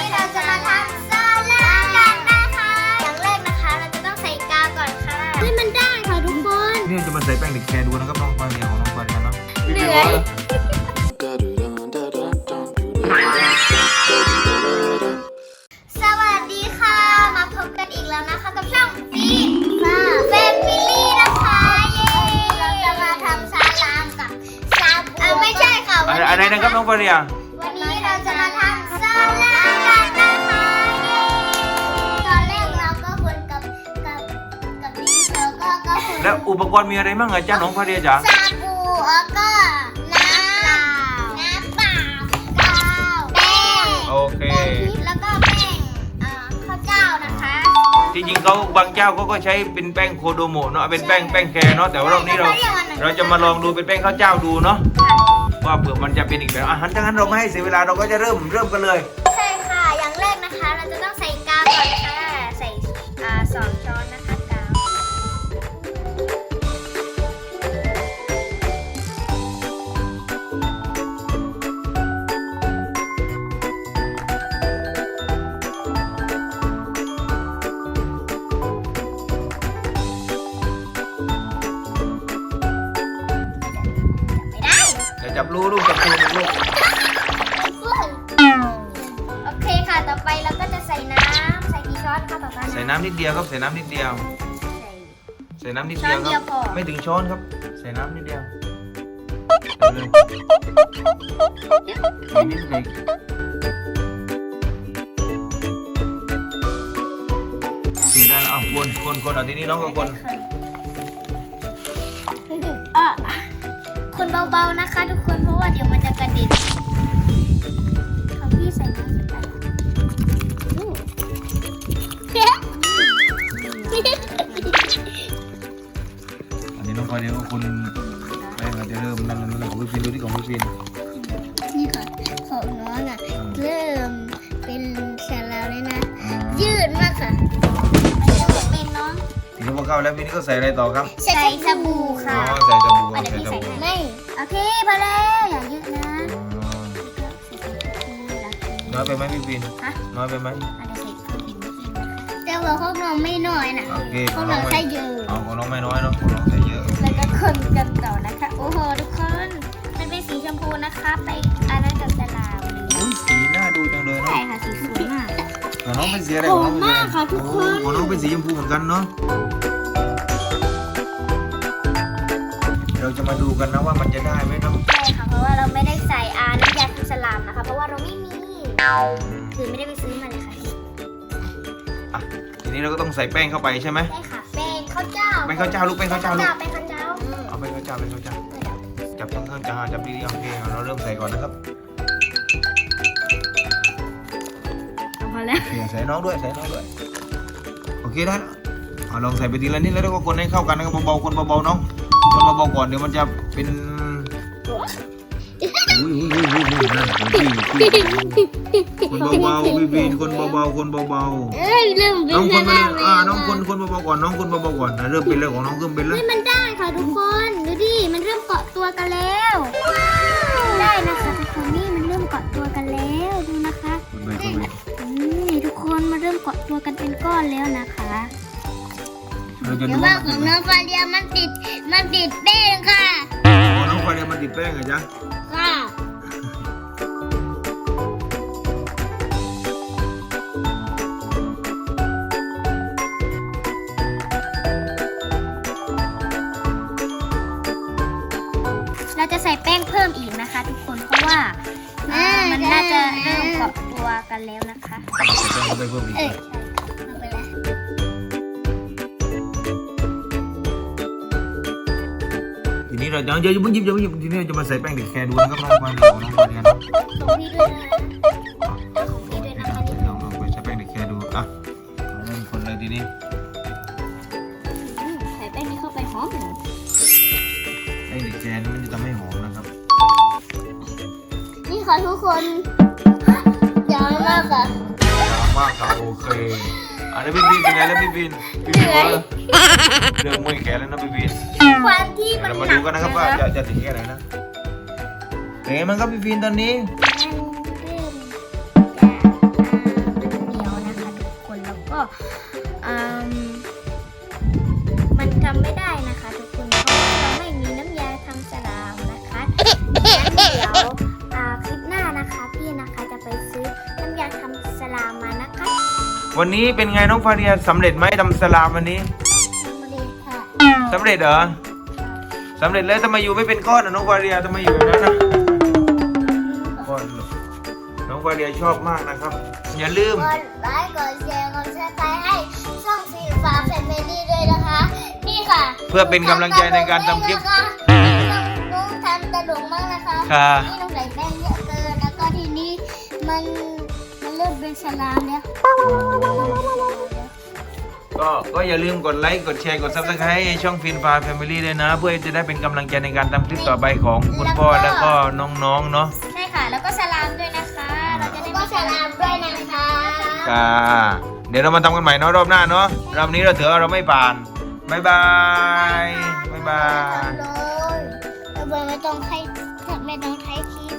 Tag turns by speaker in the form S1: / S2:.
S1: เราจะมาทำซาลากันนะคะอย่างแรกนะคะเราจะต้องใส่กาวก่อนค่ะให้มันได้ค่ะทุกคน
S2: นี่จะมาใส่แป้งเด็กแคร์ดูนะครับน้องฟาเรียของน้องฟาเรียเนาะ
S1: เหนื่อยสวัสดีค่ะมาพบกันอีกแล้วนะคะกับช่องฟีฟ่าแฟมิลี่นะคะเย้เราจะมาทำซาลามกับซาบูไม่ใช่ค่ะ
S2: อะไรนะครับน้องฟาเรีย
S1: วันนี้เราจะมาทำซาลากันนะคะเย้ตอนแรกเราก็คนกับพี่แล้วก็คน
S2: แล้วอุปกรณ์มีอะไรบ้างอะจ้าน้องฟาเรียจ๋า
S1: ซาบูแล้วก็น้ำเปล่ากาวแป้ง
S2: โอเค
S1: แล้วก็แป้งข้าวเจ้านะคะ
S2: จริงๆเขาบางเจ้าเขาก็ใช้เป็นแป้งโคโดโมะเนาะเป็นแป้งแคร์เนาะแต่ว่ารอบนี้เราจะมาลองดูเป็นแป้งข้าวเจ้าดูเนาะว่าเผื่อมันจะเป็นอีกแบบอาหารถ้างั้นเราไม่ให้เสียเวลาเราก็จะเริ่มกันเลย
S1: ใช่ค่ะอย่างแรกนะคะเราจะต้องใส่กาวก่อนค่ะใส่2 ช้อนนะคะกาว
S2: อย่าจับลูกจับลูก
S1: โอเคค่ะต่อไปเราก็จะใส่น้ำใส่กี่ช้อนคะต่อไป
S2: ใส่น้ำนิดเดียวครับใส่น้ำนิดเดียวใส่น้ำนิดเดียวครับไม่ถึงช้อนครับใส่น้ำนิดเดียวเลยนิดเล็กเสียได้แล้วเอาคนเอาทีนี้น้องก็คน
S1: คนเบาๆนะคะทุกคนเพราะว่าเดี๋ยวมันจะกระเด็นเขาพี่ใส่น้ำไป
S2: อันนี้น้องฟาเรียก็คนแป้งอาจจะเริ่มนั่นของพี่ฟินดูที่ของพี่ฟิน
S1: นี่ค่ะของน้องอ่ะเริ่มเป็นแซลแล้วเลยนะยืดมากค่ะไม่ต้องเป็นน้อง
S2: ทีนี้พอเข้าแล้วพี่นี่ก็ใส่อะไรต่อครับ
S1: ใส่สบู่ค่ะ
S2: อ๋อใส่สบู่
S1: เดี๋ยวพี่
S2: ใส่
S1: ใส่
S2: สบู่
S1: ไม่โอเคพอแล้วอย่าเยอะนะ
S2: น้อยไปไหมพี่ฟินน้อยไปไหม
S1: แต่ว่าของน้องไม่น้อยนะ
S2: โอเค
S1: ของน้องใส่เยอะ
S2: ของน้องไม่น้อยเนาะของน้องใส่เยอะ
S1: แล้วก็คนกันต่อนะคะโอ้โหทุกคนมันเป็นสีชมพูนะคะไปอันนั้นกับสลาม
S2: อุ้ยสีน่าดูจังเลยเนาะ
S1: ใช่ค่ะสีสวยมาก
S2: ของน้องเป็นสีอะไร
S1: หอมมากค่ะทุกคน
S2: ของน้องเป็นสีชมพูเหมือนกันเนาะเราจะมาดูกันนะว่ามันจะได้ไหมเนาะ
S1: ใช่ค่ะเพราะว่าเราไม่ได้ใส่น้ำยาคุสลามนะคะเพราะว่าเราไม่มีคือไม่ได้ไปซื้อมาเลยค่ะ
S2: อ่ะทีนี้เราก็ต้องใส่แป้งเข้าไปใช่ไหม
S1: ได้ค่ะแป้งข้าวเจ้า
S2: แป้งข้าวเจ้าลูกแป้งข้าวเจ้าลูก
S1: แป้งข้าวเจ้า
S2: เอาแป้งข้าวเจ้าจับข้างๆจับดีๆโอเคเราเริ่มใส่ก่อนนะครับ
S1: พอแล้ว
S2: ใส่น้องด้วยโอเคได้แล้วลองใส่ไปทีละนิดแล้วก็คนให้เข้ากันนะครับเบาๆคนเบาๆน้องคนเบาๆก่อนเดี๋ยวมันจะเป็นอุ้ยนั่นคนเบาๆพี่บินคนเบาๆ
S1: เริ่มเป็น
S2: น้องคนไป
S1: แล้ว
S2: น้องคนเบาๆก่อนน้องคนเบาๆก่อนเริ่มเป็นเรื่องของน้องเริ่มเป็นแล้ว
S1: มันได้ค่ะทุกคนดูดิมันเริ่มเกาะตัวกันแล้วได้นะคะทุกคนนี่มันเริ่มเกาะตัวกันแล้วดูนะคะนี่ทุกคนมันเริ่มเกาะตัวกันเป็นก้อนแล้วนะคะเดี๋ยวว่าของน้องฟาเรียมันติดแป้งค่ะ
S2: น้องฟาเรียมันติดแป้งเหรอจ๊ะ
S1: ค่ะเราจะใส่แป้งเพิ่มอีกนะคะทุกคนเพราะว่ามันน่าจะเริ่มเกาะตัวกันแล้วนะคะ
S2: ใส่แป้งเข้าไปเพิ่มอีกทีนี้เราอย่าเพิ่งหยิบทีนี้เราจะมาใส่แป้งเด็กแคร์ดูนะครับน้องฟาเรียของน้องฟาเรียนะ
S1: ของพี่ด้วยนะของพี่ด้วยนะคะนี่
S2: ลองไปใช้แป้งเด็กแคร์ดูอ่ะเริ่มคนเลยทีนี้
S1: ใส่แป้งนี้เข้าไปหอม
S2: แป้งเด็กแคร์นี่มันจะทำให้หอมนะครับ
S1: นี่ค่ะทุกคนยาวมากค่ะ
S2: มากครับโอเคอันนี้พี่บินเป็นไงแล้วพี่บินเริ่มมือแขนแล้วนะพี่บิน
S1: ควันที่มัน
S2: เรามาดูกันนะครับว่าจะถึงแค่ไหนนะเป็นไงบ้างครับพี่บินตอนนี้
S1: อืมมันทำไม่ได้นะคะทุกคนเพราะว่าเราไม่มีน้ำยาทำสลามนะคะงั้นเดี๋ยวคลิปหน้านะคะพี่นะคะจะไปซื้อน้ำยาทำสลามมานะคะ
S2: วันนี้เป็นไงน้องฟาเรียสำเร็จไหมทำสลามวันนี้
S1: สำเร็จค่ะ
S2: สำเร็จเหรอสำเร็จแล้วทำไมอยู่ไม่เป็นก้อนอ่ะน้องฟาเรียทำไมอยู่แบบนั้นนะก้อนน้องฟาเรียชอบมากนะครับ อย่าลืม
S1: กดไลค์กดแชร์กดซับสไครต์ให้ช่องฟีฟ้าแฟมิลี่ด้วยนะคะนี่ค่ะ
S2: เพื่อเป็นกำลังใจในการทำคลิป
S1: น้องทำตลกมากนะคะ
S2: ค่ะ
S1: นี่น้องใส่แป้งเยอะเกินแล้วก็ทีนี้มันเริ่มเป็นสลามแล้ว
S2: ก็อย่าลืมกดไลค์กดแชร์กด Subscribe ให้ช่องฟินฟ้าแฟมิลี่ด้วยนะ เพื่อจะได้เป็นกำลังใจในการทำคลิปต่อไปของคุณพ่อแล้วก็น้องๆเนาะ
S1: ใช่ค่ะ แล้วก็สลามด้วยนะคะ เราจะได้ก็สลามด้วยนะคะ
S2: ค่ะเดี๋ยวเรามาทำกันใหม่เนาะรอบหน้าเนาะรอบนี้เราถือว่าเราไม่ผ่านบ๊ายบายบ๊ายบาย
S1: เลยไม่ต้องให้คี